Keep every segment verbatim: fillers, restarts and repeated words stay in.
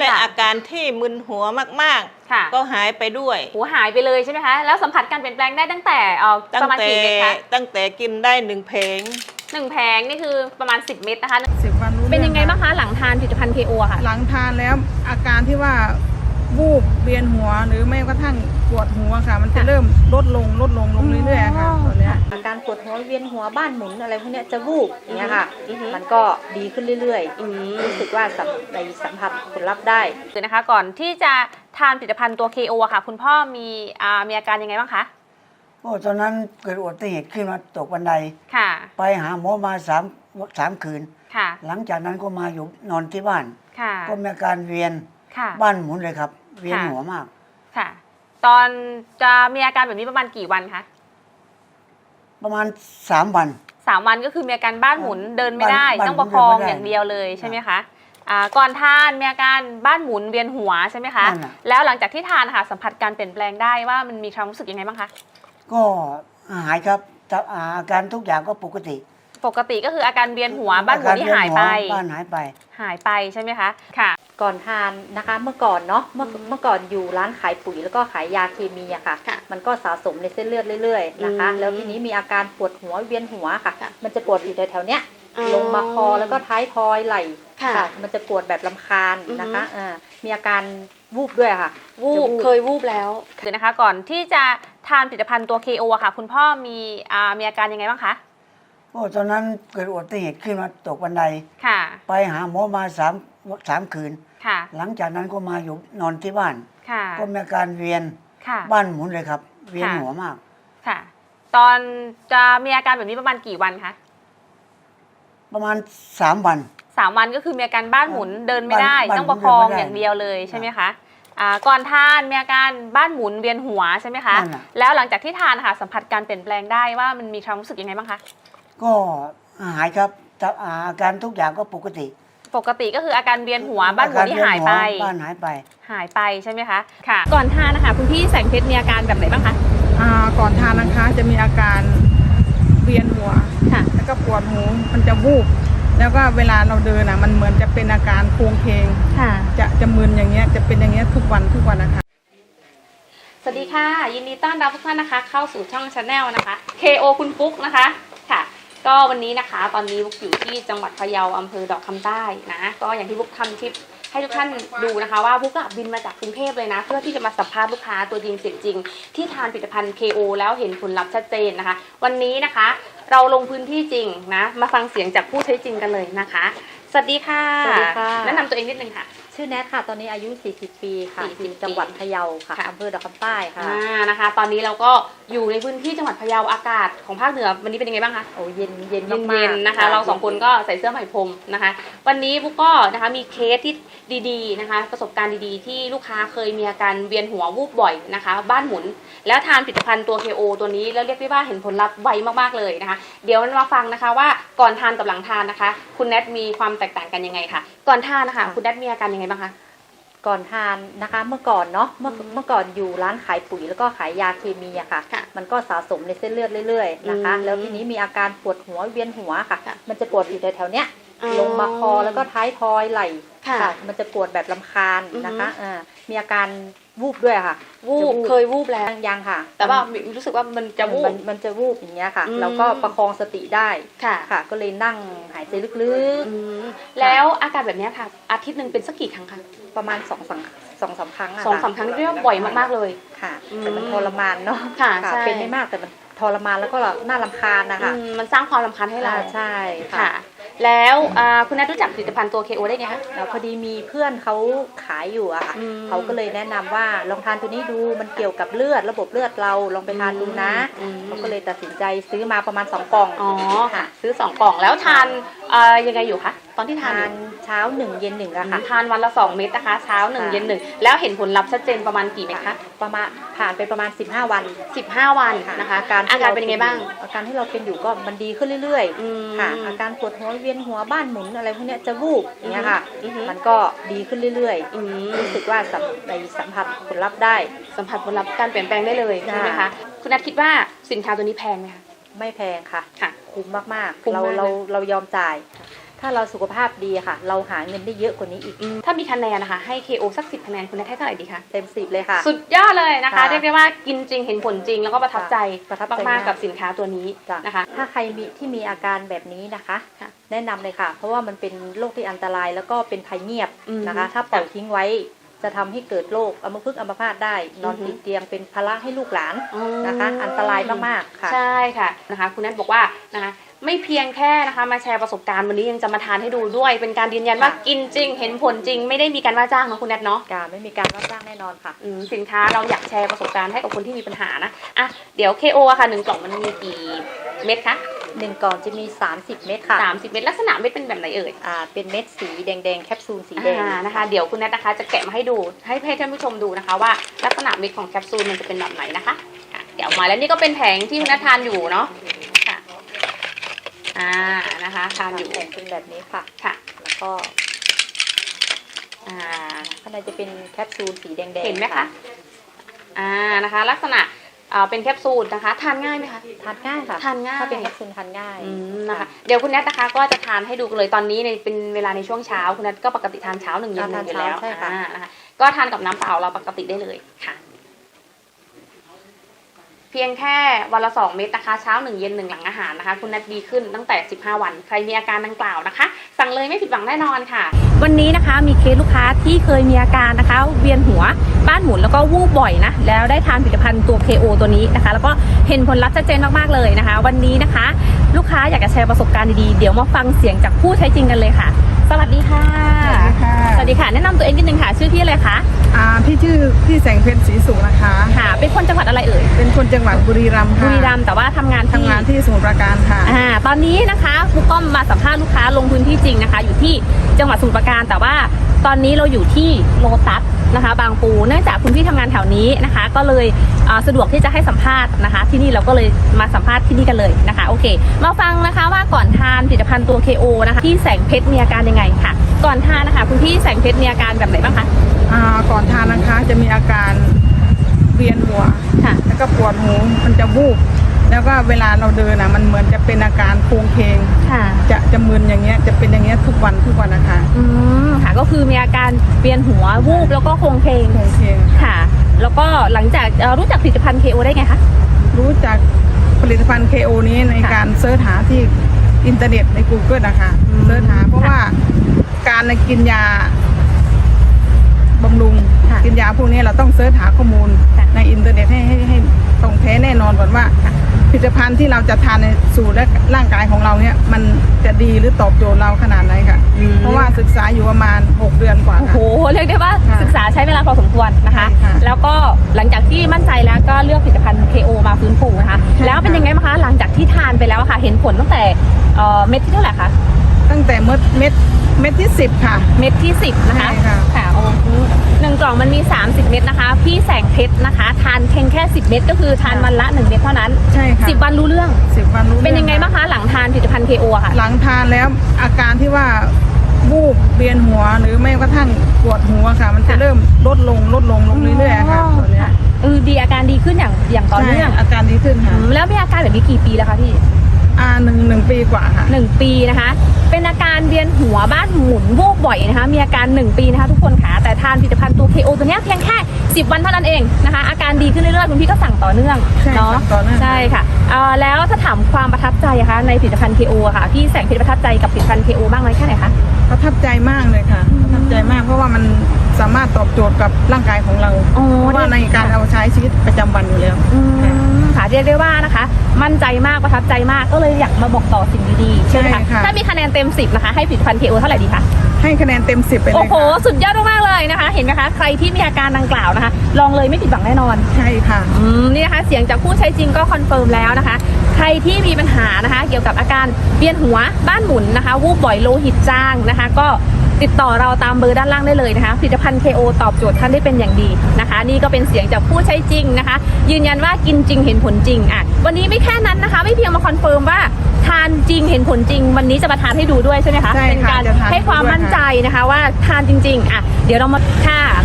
อาการที่มึนหัวมากๆก็หายไปด้วยหัวหายไปเลยใช่ไหมคะแล้วสัมผัสการเปลี่ยนแปลงได้ตั้งแต่ประมาณกี่เม็ดคะตั้งแต่กินได้หนึ่งเพลงหนึ่งแผงนี่คือประมาณสิบเม็ดนะคะสิบวันรู้เป็นยังไงบ้างคะหลังทานผลิตภัณฑ์ เค โอ ค่ะหลังทานแล้วอาการที่ว่าวูบเวียนหัวหรือไม่กระทั่งปวดหัวค่ะมันจะเริ่มลดลงลดลงลงเรื่อยๆค่ะตอนนี้อาการปวดหัวเวียนหัวบ้านหมุนอะไรพวกนี้จะวูบอย่างเงี้ยค่ะมันก็ดีขึ้นเรื่อยๆรู้สึกว่าในสัมผัสผลลัพธ์ได้เลยนะคะก่อนที่จะทานผลิตภัณฑ์ตัว เค โอ ค่ะคุณพ่อมีอ่ามีอาการยังไงบ้างคะโอ้ตอนนั้นเกิดอุบัติเหตุขึ้นมาตกบันไดค่ะไปหาหมอมาสามสามคืนค่ะหลังจากนั้นก็มาอยู่นอนที่บ้านค่ะก็มีอาการเวียนบ้านหมุนเลยครับเวียนหัวมากค่ะตอนจะมีอาการแบบนี้ประมาณกี่วันคะประมาณสามวันสามวันก็คือมีอาการบ้านหมุนเดินไม่ได้ต้องประคองอย่างเดียวเลยใช่ไหมคะอ่าก่อนทานมีอาการบ้านหมุนเวียนหัวใช่ไหมคะแล้วหลังจากที่ทานค่ะสัมผัสการเปลี่ยนแปลงได้ว่ามันมีความรู้สึกยังไงบ้างคะก็หายครับอาการทุกอย่างก็ปกติปกติก็คืออาการเวียนหัวบ้านหมุนที่หายไปบ้านหายไปหายไปใช่ไหมคะค่ะก่อนทานนะคะเมื่อก่อนเนาะเมื่อเมื่อก่อนอยู่ร้านขายปุ๋ยแล้วก็ขายยาเคมีอะค่ะมันก็สะสมในเส้นเลือดเรื่อยๆนะคะแล้วทีนี้มีอาการปวดหัวเวียนหัวค่ะมันจะปวดอยู่แถวๆเนี้ยลงมาคอแล้วก็ท้ายทอยไหล่ค่ะมันจะปวดแบบลำคาญนะคะมีอาการวูบด้วยค่ะวูบเคยวูบแล้วเดี๋ยวนะคะก่อนที่จะทานผลิตภัณฑ์ตัว เค โอ ค่ะคุณพ่อมีอ่ามีอาการยังไงบ้างคะโอ้ตอนนั้นเกิดอุบัติเหตุขึ้นมาตกบันไดค่ะไปหาหมอมาสามสามคืนค่ะหลังจากนั้นก็มาอยู่นอนที่บ้านค่ะก็มีอาการเวียนบ้านหมุนเลยครับเวียนหัวมากค่ะตอนจะมีอาการแบบนี้ประมาณกี่วันคะประมาณสามวันสามวันก็คือมีอาการบ้านหมุนเดินไม่ได้ต้องประคองอย่างเดียวเลยใช่ไหมคะอ่าก่อนทานมีอาการบ้านหมุนเวียนหัวใช่ไหมคะแล้วหลังจากที่ทานค่ะสัมผัสการเปลี่ยนแปลงได้ว่ามันมีความรู้สึกยังไงบ้างคะก็หายครับอาการทุกอย่างก็ปกติปกติก็คืออาการเวียนหัวบ้านหมุนที่หายไปบ้านหายไปหายไปใช่ไหมคะค่ะก่อนทานนะคะคุณพี่แสงเพชรมีอาการแบบไหนบ้างคะอ่าก่อนทานนะคะจะมีอาการเวียนหัวค่ะแล้วก็ปวดหูมันจะวูบแล้วก็เวลาเราเดินอ่ะมันเหมือนจะเป็นอาการโครงเคงค่ะจะจะมึนอย่างเงี้ยจะเป็นอย่างเงี้ยทุกวันทุกวันนะคะสวัสดีค่ะยินดีต้อนรับทุกท่านนะคะเข้าสู่ช่อง Channel นะคะ เค โอ คุณฟุ๊กนะคะค่ะก็วันนี้นะคะตอนนี้บุ๊กอยู่ที่จังหวัดพะเยาอำเภอดอกคำใต้นะก็อย่างที่บุ๊กทำคลิปให้ทุกท่านดูนะคะว่าบุ๊กบินมาจากกรุงเทพเลยนะเพื่อที่จะมาสัมภาษณ์ลูกค้าตัวจริงเสียงจริงที่ทานผลิตภัณฑ์ เค โอ แล้วเห็นผลลัพธ์ชัดเจนนะคะวันนี้นะคะเราลงพื้นที่จริงนะมาฟังเสียงจากผู้ใช้จริงกันเลยนะคะสวัสดีค่ะสวัสดีค่ะแนะนำตัวเองนิดนึงค่ะชื่อแนทค่ะตอนนี้อายุสี่สิบปีค่ะอยู่จังหวัดพะเยาค่ะอำเภอดอกคำใต้ค่ะอ่านะคะตอนนี้เราก็อยู่ในพื้นที่จังหวัดพะเยาอากาศของภาคเหนือวันนี้เป็นยังไงบ้างคะโอ้เย็นเย็นมากๆนะคะเราสองคนก็ใส่เสื้อไหมพรมนะคะวันนี้บุ๊กก็นะคะมีเคสที่ดีๆนะคะประสบการณ์ดีๆที่ลูกค้าเคยมีอาการเวียนหัววูบบ่อยนะคะบ้านหมุนแล้วทานผลิตภัณฑ์ตัว เค โอ ตัวนี้แล้วเรียกได้ว่าเห็นผลลัพธ์ไวมากๆเลยนะคะเดี๋ยวมาฟังนะคะว่าก่อนทานกับหลังทานนะคะคุณแนทมีความแตกต่างกันยังไงคะก่อนทานนะคะคุณแนทมีอาการยังไงบ้างคะก่อนทานนะคะเมื่อก่อนเนาะเมื่อเมื่อก่อนอยู่ร้านขายปุ๋ยแล้วก็ขายยาเคมีอะค่ะมันก็สะสมในเส้นเลือดเรื่อยๆนะคะแล้วทีนี้มีอาการปวดหัวเวียนหัวค่ะมันจะปวดอยู่แถวๆเนี้ยลงมาคอแล้วก็ท้ายทอยไหล่ค่ะมันจะปวดแบบลำคาญนะคะอ่ามีอาการวูบด้วยค่ะวูบเคยวูบแล้วยังค่ะแต่ว่ารู้สึกว่ามันจะวูบมันจะวูบอย่างเงี้ยค่ะแล้วก็ประคองสติได้ค่ะค่ะก็เลยนั่งหายใจลึกๆแล้วอาการแบบนี้ค่ะอาทิตย์หนึ่งเป็นสักกี่ครั้งคะประมาณสองสามสองสามครั้งสองสามครั้งเรียกว่าบ่อยมากๆเลยค่ะแต่มันทรมานเนาะค่ะเป็นไม่มากแต่มันทรมานแล้วก็น่ารำคาญนะคะมันสร้างความรำคาญให้เราใช่ค่ะแล้วคุณแนทรู้จักผลิตภัณฑ์ตัว เค โอ ได้ไงคะพอดีมีเพื่อนเขาขายอยู่อะค่ะเขาก็เลยแนะนำว่าลองทานตัวนี้ดูมันเกี่ยวกับเลือดระบบเลือดเราลองไปทานดูนะเขาก็เลยตัดสินใจซื้อมาประมาณสองกล่องอ๋อค่ะซื้อสองกล่องแล้วทานยังไงอยู่คะตอนที่ทานเช้าหนึ่งเย็นหนึ่งอะค่ะทานวันละสองเม็ดนะคะเช้าหนึ่งเย็นหนึ่งแล้วเห็นผลลัพธ์ชัดเจนประมาณกี่เม็ดคะประมาณผ่านไปประมาณสิบห้าวันสิบห้าวันนะคะอาการอาการเป็นยังไงบ้างอาการที่เราเป็นอยู่ก็มันดีขึ้นเรื่อยๆค่ะอาการปวดหัวเวียนหัวบ้านหมุนอะไรพวกนี้จะวูบอย่างเงี้ยค่ะมันก็ดีขึ้นเรื่อยๆรู้สึกว่าในสัมผัสผลลัพธ์ได้สัมผัสผลลัพธ์การเปลี่ยนแปลงได้เลยใช่ไหมคะคุณนัทคิดว่าสินค้าตัวนี้แพงไหมคะไม่แพงค่ะค่ะคุ้มมากๆเราเราเรายอมจ่ายถ้าเราสุขภาพดีค่ะ เราหาเงินได้เยอะกว่านี้อีกถ้ามีคะแนนนะคะให้ เค โอ สักสิบคะแนนคุณแนทให้เท่าไหร่ดีคะเต็มสิบเลยค่ะสุดยอดเลยนะคะค่ะเรียกได้ว่ากินจริงเห็นผลจริงแล้วก็ประทับใจประทับใจมากมากๆกับสินค้าตัวนี้จ้ะนะคะถ้าใครมีที่มีอาการแบบนี้นะคะค่ะแนะนำเลยค่ะ เพราะว่ามันเป็นโรคที่อันตรายแล้วก็เป็นภัยเงียบอืมนะคะ ถ้าปล่อยทิ้งไว้จะทำให้เกิดโรคอัมพฤกษ์อัมพาตได้ นอนอือฮึติดเตียงเป็นภาระให้ลูกหลานอ๋อนะคะ อันตรายมากๆค่ะใช่ค่ะนะคะคุณแนทบอกว่านะคะไม่เพียงแค่นะคะมาแชร์ประสบการณ์วันนี้ยังจะมาทานให้ดูด้วย เป็นการยืนยันว่าค่ะกินจริงเห็นผลจริงไม่ได้มีการว่าจ้างเนาะคุณแนทเนาะการไม่มีการรับจ้างแน่นอนค่ะอืมสินค้าเราอยากแชร์ประสบการณ์ให้กับคนที่มีปัญหานะอ่ะเดี๋ยว เค โอ อะค่ะหนึ่งกล่องมันมีกี่เม็ดคะหนึ่งกล่องจะมี สามสิบ เม็ดค่ะสามสิบเม็ดลักษณะเม็ดเป็นแบบไหนเอ่ยอ่าเป็นเม็ดสีแดงๆแคปซูลสีแดงอ่านะคะเดี๋ยวคุณแนทนะคะจะแกะมาให้ดูให้ให้ท่านผู้ชมดูนะคะว่าลักษณะเม็ดของแคปซูลมันจะเป็นแบบไหนนะคะค่ะเดี๋ยวออกมาแล้วนี่ก็เป็นแผงที่คุณแนททานอยู่เนาะค่ะอ่านะคะทานอยู่แผงเป็นแบบนี้ค่ะค่ะแล้วก็อ่าข้างในจะเป็นแคปซูลสีแดงๆเห็นไหมคะอ่านะคะลักษณะอ่าเป็นแคปซูลนะคะทานง่ายไหมคะทานง่ายค่ะทานง่ายถ้าเป็นแคปซูลทานง่ายอืมนะคะเดี๋ยวคุณแนทนะคะก็จะทานให้ดูเลยตอนนี้ในเป็นเวลาในช่วงเช้าคุณแนทก็ปกติทานเช้าหนึ่งเย็นหนึ่งอยู่แล้วทานเช้าใช่ค่ะอ่านะคะก็ทานกับน้ำเปล่าเราปกติได้เลยค่ะ เพียงแค่วันละสองเม็ดนะคะเช้าหนึ่งเย็นหนึ่งหลังอาหารนะคะคุณแนทดีขึ้นตั้งแต่สิบห้าวันใครมีอาการดังกล่าวนะคะสั่งเลยไม่ผิดหวังแน่นอนค่ะ วันนี้นะคะมีเคสลูกค้าที่เคยมีอาการนะคะเวียนหัวบ้านหมุนแล้วก็วูบบ่อยนะแล้วได้ทานผลิตภัณฑ์ตัว เค โอ ตัวนี้นะคะแล้วก็เห็นผลลัพธ์ชัดเจนมากๆเลยนะคะ วันนี้นะคะ ลูกค้าอยากจะแชร์ประสบการณ์ดีๆเดี๋ยวมาฟังเสียงจากผู้ใช้จริงกันเลยค่ะ สวัสดีค่ะสวัสดีค่ะสวัสดีค่ะแนะนำตัวเองนิดนึงค่ะชื่อพี่อะไรคะอ่าพี่ชื่อพี่แสงเพชรศรีสุขนะคะค่ะเป็นคนจังหวัดอะไรเอ่ยเป็นคนจังหวัดบุรีรัมย์บุค่ะรีรัมย์แต่ว่าทำงานที่ทำงานที่สมุทรปราการค่ะอ่าตอนนี้นะคะครูก้อมมาสัมภาษณ์ลูกค้าลงพื้นที่จริงนะคะ อยู่ที่จังหวัดสมุทรปราการแต่ว่าตอนนี้เราอยู่ที่โลตัสนะคะ บางปูเนื่องจากคุณพี่ทำงานแถวนี้นะคะ ก็เลยอ่าสะดวกที่จะให้สัมภาษณ์นะคะ ที่นี่เราก็เลยมาสัมภาษณ์ที่นี่กันเลยนะคะโอเค มาฟังนะคะว่าก่อนทานผลิตภัณฑ์ตัว เค โอ นะคะที่แสงเพชรมีอาการยังไงค่ะ ก่อนทานนะคะคุณพี่แสงเพชรมีอาการแบบไหนบ้างคะอ่าก่อนทานนะคะจะมีอาการเวียนหัวค่ะแล้วก็ปวดหูมันจะวูบแล้วก็เวลาเราเดินนะมันเหมือนจะเป็นอาการโครงเคงค่ะจะจะมึนอย่างเงี้ยจะเป็นอย่างเงี้ยทุกวันทุกวันนะคะอืมค่ะก็คือมีอาการเวียนหัววูบแล้วก็โคลงเพลงโครงเคงค่ะ แล้วก็หลังจากเอ่อรู้จักผลิตภัณฑ์ เค โอ ได้ไงคะรู้จักผลิตภัณฑ์ เค โอ นี้ในการเสิร์ชหาที่อินเทอร์เน็ตใน Google นะคะอืมเสิร์ชหาเพราะว่าการกินยาบำรุงค่ะกินยาพวกนี้เราต้องเสิร์ชหาข้อมูลค่ะในอินเทอร์เน็ตให้ให้ให้ตรงแท้แน่นอนก่อนว่าผลิตภัณฑ์ที่เราจะทานในสู่และร่างกายของเราเนี่ยมันจะดีหรือตอบโจทย์เราขนาดไหนค่ะอืมเพราะว่าศึกษาอยู่ประมาณหกเดือนกว่าโอ้โหค่ะเรียกได้ว่าค่ะศึกษาใช้เวลาพอสมควรนะคะใช่ค่ะแล้วก็หลังจากที่มั่นใจแล้วก็เลือกผลิตภัณฑ์ เค โอ มาฟื้นฟูนะคะใช่ค่ะแล้วเป็นยังไงบ้างคะหลังจากที่ทานไปแล้วอะค่ะ เห็นผลตั้งแต่เอ่อเม็ดที่เท่าไหร่คะตั้งแต่เม็ดเม็ดเม็ดที่สิบค่ะเม็ดที่สิบนะคะใช่ค่ะค่ะโอ้โหหนึ่งกล่องมันมีสามสิบเม็ดนะคะ พี่แสงเพชรนะคะ ทานเพียงแค่สิบเม็ดก็คือทานวันละหนึ่งเม็ดเท่านั้นใช่ค่ะสิบวันรู้เรื่องสิบวันรู้เป็นยังไงรื่อบ้างคะหลังทานผลิตภัณฑ์ เค โอ อะค่ะหลังทานแล้วอาการที่ว่าวูบเวียนหัวหรือไม่กระทั่งปวดหัวค่ะ มันจะค่ะเริ่มลดลงลดลงลงเรื่อยๆค่ะตอนเนี้ยเออดีอาการดีขึ้นอย่างอย่างต่อเนื่องใช่อาการดีขึ้นค่ะอืมแล้วมีอาการแบบนี้กี่ปีแล้วคะพี่อ่าหนึ่งหนึ่งปีกว่าค่ะหนึ่งปีนะคะ เป็นอาการเวียนหัวบ้านหมุนวูบบ่อยนะคะ มีอาการหนึ่งปีนะคะทุกคนค่ะ แต่ทานผลิตภัณฑ์ตัว เค โอ ตัวเนี้ยเพียงแค่สิบวันเท่านั้นเองนะคะ อาการดีขึ้นเรื่อยๆคุณพี่ก็สั่งต่อเนื่องใช่เนาะสั่งต่อเนื่องใช่ค่ะเอ่อแล้วถ้าถามความประทับใจอะคะในผลิตภัณฑ์ เค โอ อะค่ะ พี่แสงเพชรประทับใจกับผลิตภัณฑ์ เค โอ บ้างไหมแค่ไหนคะประทับใจมากเลยค่ะประทับใจมากเพราะว่ามันสามารถตอบโจทย์กับร่างกายของเราอ๋อเพราะว่าในการเอาใช้ชีวิตประจำวันอยู่แล้วอืมค่ะเรียกได้ว่านะคะ มั่นใจมากประทับใจมากก็เลยอยากมาบอกต่อสิ่งดีๆใช่ไหมใช่คะค่ะถ้ามีคะแนนเต็มสิบนะคะให้ผลิตภัณฑ์ เค โอ เท่าไหร่ดีคะให้คะแนนเต็มสิบไปเลโอ้ยโหค่ะสุดยอดมากๆเลยนะคะ เห็นไหมคะ ใครที่มีอาการดังกล่าวนะคะ ลองเลยไม่ผิดหวังแน่นอนใช่ค่ะอืมนี่นะคะ เสียงจากผู้ใช้จริงก็คอนเฟิร์มแล้วนะคะ ใครที่มีปัญหานะคะ เกี่ยวกับอาการเวียนหัวบ้านหมุนนะคะ วูบบ่อยโลหิตจางนะคะ ก็ติดต่อเราตามเบอร์ด้านล่างได้เลยนะคะผลิตภัณฑ์ เค โอ ตอบโจทย์ท่านได้เป็นอย่างดีนะคะ นี่ก็เป็นเสียงจากผู้ใช้จริงนะคะ ยืนยันว่ากินจริงเห็นผลจริงอ่ะวันนี้ไม่แค่นั้นนะคะ ไม่เพียงมาคอนเฟิร์มว่าทานจริงเห็นผลจริง วันนี้จะมาทานให้ดูด้วยใช่ไหมคะใช่ค่ะเป็นการจะทานให้ความให้ดูด้วยมั่นใจนะคะว่าทานจริงๆอ่ะเดี๋ยวเรามาค่ะ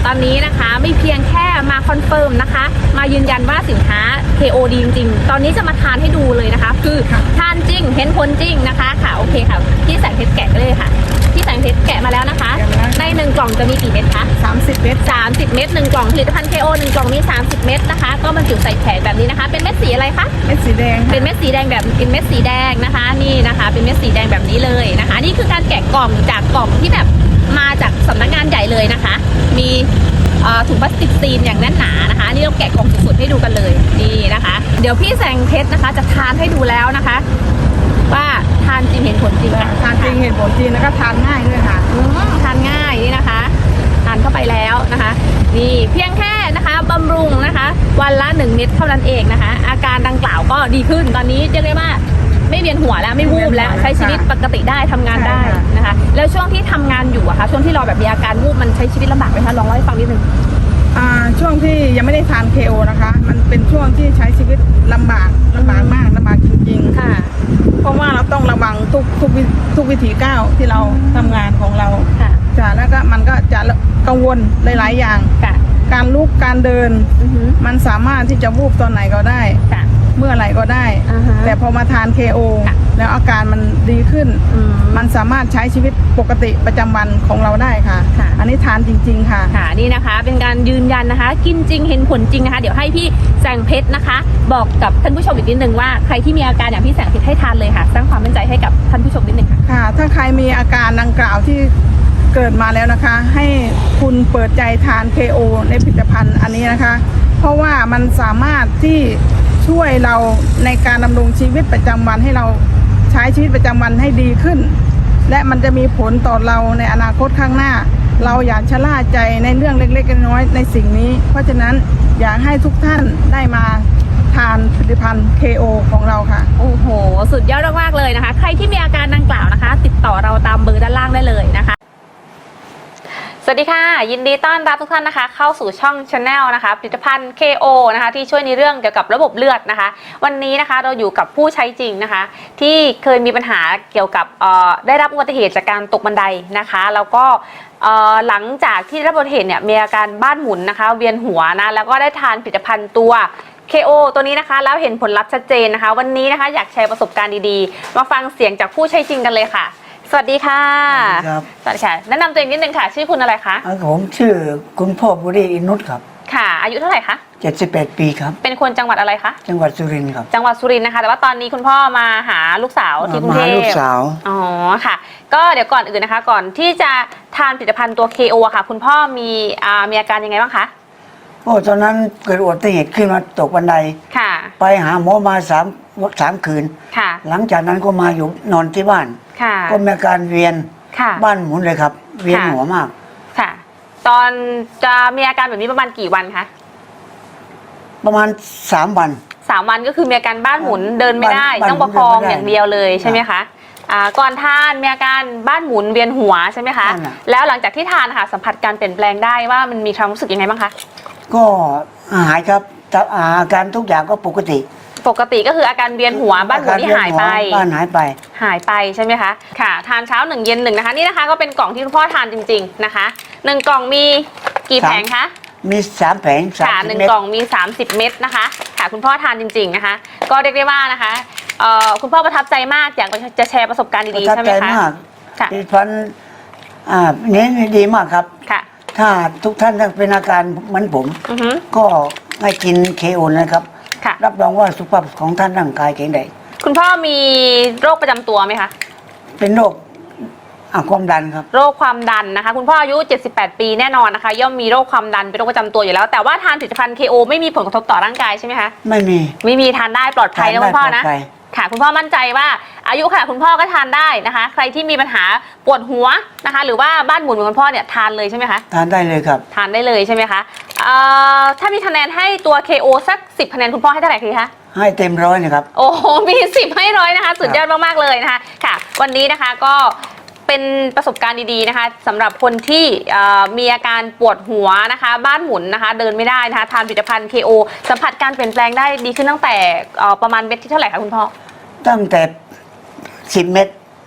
ตอนนี้นะคะไม่เพียงแค่มาคอนเฟิร์มนะคะ มายืนยันว่าสินค้า เค โอ ดีจริงๆตอนนี้จะมาทานให้ดูเลยนะคะ คือทานจริงเห็นผลจริงนะคะค่ะโอเคค่ะพี่แสงเพชรแกะเลยค่ะพี่แสงเพชรแกะมาแล้วนะคะในหนึ่งกล่องจะมีกี่เม็ดคะสามสิบเม็ดสามสิบเม็ดหนึ่งกล่องผลิตภัณฑ์ เค โอ หนึ่งกล่องมีสามสิบเม็ดนะคะก็บรรจุใส่แผงแบบนี้นะคะเป็นเม็ดสีอะไรคะเม็ดสีแดงเป็นเม็ดสีแดงแบบเป็นเม็ดสีแดงนะคะนี่นะคะเป็นเม็ดสีแดงแบบนี้เลยนะคะนี่คือการแกะกล่องจากกล่องที่แบบมาจากสำนักงานใหญ่เลยนะคะมีถุงพลาสติกซีนอย่างแน่นหนานะคะนี่เราแกะกล่องสุดๆให้ดูกันเลยนี่นะคะเดี๋ยวพี่แสงเพชรนะคะจะทานให้ดูแล้วนะคะว่าทานจริงเห็นผลจริงทานจริงเห็นผลจริงแล้วก็ทานง่ายด้วยค่ะทานง่ายนี่นะคะทานเข้าไปแล้วนะคะนี่เพียงแค่นะคะบำรุงนะคะวันละหนึ่งเม็ดเท่านั้นเองนะคะอาการดังกล่าวก็ดีขึ้นตอนนี้เรียกได้ว่าไม่เวียนหัวแล้วไม่วูบแล้วใช้ชีวิตปกติได้ทำงานได้นะคะแล้วช่วงที่ทำงานอยู่อะคะช่วงที่เราแบบมีอาการวูบมันใช้ชีวิตลำบากไหมคะลองเล่าให้ฟังนิดนึงอ่าช่วงที่ยังไม่ได้ทาน เค โอ นะคะมันเป็นช่วงที่ใช้ชีวิตลำบากลำบากมากลำบากจริงๆค่ะเพราะว่าเราต้องระวังทุกทุกทุกวิถีก้าวที่เราทำงานของเราค่ะจ้ะแล้วก็มันก็จะกังวลหลายๆอย่างค่ะการลุกการเดินมันสามารถที่จะวูบตอนไหนก็ได้เมื่อไหร่ก็ได้แต่พอมาทาน เค โอ แล้วอาการมันดีขึ้นมันสามารถใช้ชีวิตปกติประจำวันของเราได้ค่ะอันนี้ทานจริงๆค่ะค่ะนี่นะคะเป็นการยืนยันนะคะกินจริงเห็นผลจริงนะคะเดี๋ยวให้พี่แสงเพชรนะคะบอกกับท่านผู้ชมอีกนิดนึงว่าใครที่มีอาการอย่างพี่แสงเพชรให้ทานเลยค่ะสร้างความมั่นใจให้กับท่านผู้ชมนิดนึงค่ะค่ะถ้าใครมีอาการดังกล่าวที่เกิดมาแล้วนะคะให้คุณเปิดใจทาน เค โอ ในผลิตภัณฑ์อันนี้นะคะเพราะว่ามันสามารถที่ช่วยเราในการดำรงชีวิตประจำวันให้เราใช้ชีวิตประจำวันให้ดีขึ้นและมันจะมีผลต่อเราในอนาคตข้างหน้าเราอย่าชะล่าใจในเรื่องเล็กๆน้อยๆในสิ่งนี้เพราะฉะนั้นอยากให้ทุกท่านได้มาทานผลิตภัณฑ์ เค โอ ของเราค่ะโอ้โหสุดยอดมากๆเลยนะคะใครที่มีอาการดังกล่าวนะคะติดต่อเราตามเบอร์ด้านล่างได้เลยนะคะสวัสดีค่ะยินดีต้อนรับทุกท่านนะคะเข้าสู่ช่อง Channel นะคะผลิตภัณฑ์ เค โอ นะคะที่ช่วยในเรื่องเกี่ยวกับระบบเลือดนะคะวันนี้นะคะเราอยู่กับผู้ใช้จริงนะคะที่เคยมีปัญหาเกี่ยวกับได้รับอุบัติเหตุจากการตกบันไดนะคะแล้วก็หลังจากที่ได้รับอุบัติเหตุเนี่ยมีอาการบ้านหมุนนะคะเวียนหัวนะแล้วก็ได้ทานผลิตภัณฑ์ตัว เค โอ ตัวนี้นะคะแล้วเห็นผลลัพธ์ชัดเจนนะคะวันนี้นะคะอยากแชร์ประสบการณ์ดีๆมาฟังเสียงจากผู้ใช้จริงกันเลยค่ะสวัสดีค่ะครับสวัสดีค่ะแนะนำตัวเองนิดนึงค่ะชื่อคุณอะไรคะผมชื่อคุณพ่อบุรีอินุตครับค่ะอายุเท่าไหร่คะเจ็ดสิบแปดปีครับเป็นคนจังหวัดอะไรคะจังหวัดสุรินทร์ครับจังหวัดสุรินทร์นะคะแต่ว่าตอนนี้คุณพ่อมาหาลูกสาวที่กรุงเทพมาหาลูกสาวอ๋อค่ะก็เดี๋ยวก่อนอื่นนะคะก่อนที่จะทานผลิตภัณฑ์ตัว เค โอ ค่ะคุณพ่อมีอ่ามีอาการยังไงบ้างคะโอ้ตอนนั้นเกิดอุบัติเหตุขึ้นมาตกบันไดค่ะไปหาหมอมาสามสามคืนค่ะหลังจากนั้นก็มาอยู่นอนที่บ้านค่ะก็มีอาการเวียนบ้านหมุนเลยครับเวียนหัวมากค่ะตอนจะมีอาการแบบนี้ประมาณกี่วันคะประมาณสามวันสามวันก็คือมีอาการบ้านหมุนเดินไม่ได้ต้องประคองอย่างเดียวเลยใช่ไหมคะอ่าก่อนทานมีอาการบ้านหมุนเวียนหัวใช่ไหมคะแล้วหลังจากที่ทานค่ะสัมผัสการเปลี่ยนแปลงได้ว่ามันมีความรู้สึกยังไงบ้างคะก็หายครับอาการทุกอย่างก็ปกติปกติก็คืออาการเวียนหัวบ้านหมุนที่หายไปบ้านหายไปหายไปใช่ไหมคะค่ะทานเช้าหนึ่งเย็นหนึ่งนะคะนี่นะคะก็เป็นกล่องที่คุณพ่อทานจริงๆนะคะหนึ่งกล่องมีกี่แผงคะมีสามแผงค่ะหนึ่งกล่องมีสามสิบเม็ดนะคะค่ะคุณพ่อทานจริงๆนะคะก็เรียกได้ว่านะคะคุณพ่อประทับใจมากอยากจะแชร์ประสบการณ์ดีๆใช่ไหมคะประทับใจมากค่ะดิฉันอ่าเน้นดีมากครับค่ะถ้าทุกท่านเป็นอาการเหมือนผมก็ให้กิน เค โอ นะครับรับรองว่าสุขภาพของท่านร่างกายแข็งแรงคุณพ่อมีโรคประจำตัวไหมคะเป็นโรคความดันครับโรคความดันนะคะคุณพ่ออายุเจ็ดสิบแปดปีแน่นอนนะคะย่อมมีโรคความดันเป็นโรคประจำตัวอยู่แล้วแต่ว่าทานผลิตภัณฑ์ เค โอ ไม่มีผลกระทบต่อร่างกายใช่ไหมคะไม่มีไม่มีทานได้ปลอดภัยนะคุณพ่อนะค่ะคุณพ่อมั่นใจว่าอายุค่ะคุณพ่อก็ทานได้นะคะใครที่มีปัญหาปวดหัวนะคะหรือว่าบ้านหมุนเหมือนคุณพ่อเนี่ยทานเลยใช่ไหมคะทานได้เลยครับทานได้เลยใช่ไหมคะถ้ามีคะแนนให้ตัว เค โอ สักสิบคะแนนคุณพ่อให้เท่าไหร่คะให้เต็มร้อยนะครับโอ้โหมีสิบให้ร้อยนะคะสุดยอดมากๆเลยนะคะค่ะวันนี้นะคะก็เป็นประสบการณ์ดีๆนะคะสำหรับคนที่มีอาการปวดหัวนะคะบ้านหมุนนะคะเดินไม่ได้นะคะทานผลิตภัณฑ์ เค โอ สัมผัสการเปลี่ยนแปลงได้ดีขึ้นตั้งแต่ประมาณเม็ดที่เท่าไหร่คะคุณพ่อตั้งแต่สิบเม็ด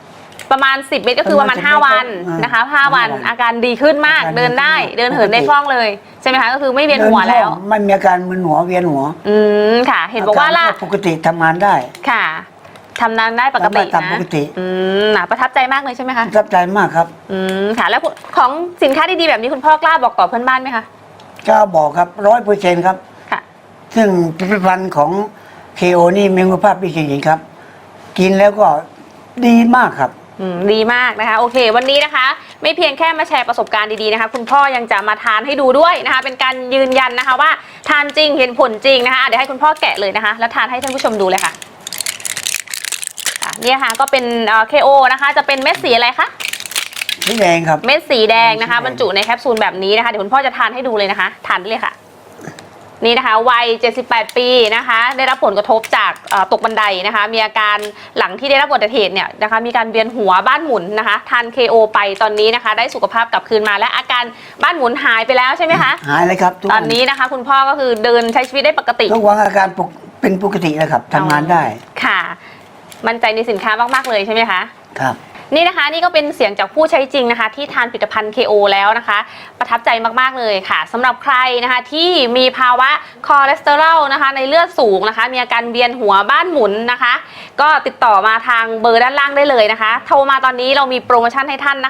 ประมาณสิบเม็ดก็คือประมาณห้าวันนะคะห้าวันอาการดีขึ้นมากเดินได้เดินเหินได้คล่องเลยใช่ไหมคะก็คือไม่เวียนหัวแล้วไม่มีอาการมึนหัวเวียนหัวอืมค่ะ เห็นบอกว่าล่ะปกติทำงานได้ค่ะทำงานได้ปกตินะตามปกติอืมประทับใจมากเลยใช่ไหมคะประทับใจมากครับอืมค่ะแล้วของสินค้าดีๆแบบนี้คุณพ่อกล้าบอกต่อเพื่อนบ้านไหมคะกล้าบอกครับร้อยเปอร์เซ็นต์ครับค่ะซึ่งผลิตภัณฑ์ของ เค โอ นี่มีคุณภาพดีจริงๆครับกินแล้วก็ดีมากครับดีมากนะคะโอเควันนี้นะคะไม่เพียงแค่มาแชร์ประสบการณ์ดีๆนะคะคุณพ่อยังจะมาทานให้ดูด้วยนะคะเป็นการยืนยันนะคะว่าทานจริงเห็นผลจริงนะคะเดี๋ยวให้คุณพ่อแกะเลยนะคะแล้วทานให้ท่านผู้ชมดูเลยค่ะเนี่ยค่ะก็เป็น เค โอ นะคะจะเป็นเม็ดสีอะไรคะสีแดงครับเม็ดสีแดงนะคะบรรจุในแคปซูลแบบนี้นะคะเดี๋ยวคุณพ่อจะทานให้ดูเลยนะคะทานได้เลยค่ะนี่นะคะวัยเจ็ดสิบแปดปีนะคะได้รับผลกระทบจากตกบันไดนะคะมีอาการหลังที่ได้รับอุบัติเหตุเนี่ยนะคะมีการเวียนหัวบ้านหมุนนะคะทาน เค โอ ไปตอนนี้นะคะได้สุขภาพกลับคืนมาและอาการบ้านหมุนหายไปแล้วใช่ไหมคะหายเลยครับตอนนี้นะคะคุณพ่อก็คือเดินใช้ชีวิตได้ปกติทุกวันอาการเป็นปกติแล้วครับทำงานได้ค่ะมั่นใจในสินค้ามากๆเลยใช่ไหมคะครับนี่นะคะนี่ก็เป็นเสียงจากผู้ใช้จริงนะคะที่ทานผลิตภัณฑ์ เค โอ แล้วนะคะประทับใจมากๆเลยค่ะสำหรับใครนะคะที่มีภาวะคอเลสเตอรอลนะคะในเลือดสูงนะคะมีอาการเวียนหัวบ้านหมุนนะคะก็ติดต่อมาทางเบอร์ด้านล่างได้เลยนะคะโทรมาตอนนี้เรามีโปรโมชั่นให้ท่านนะคะ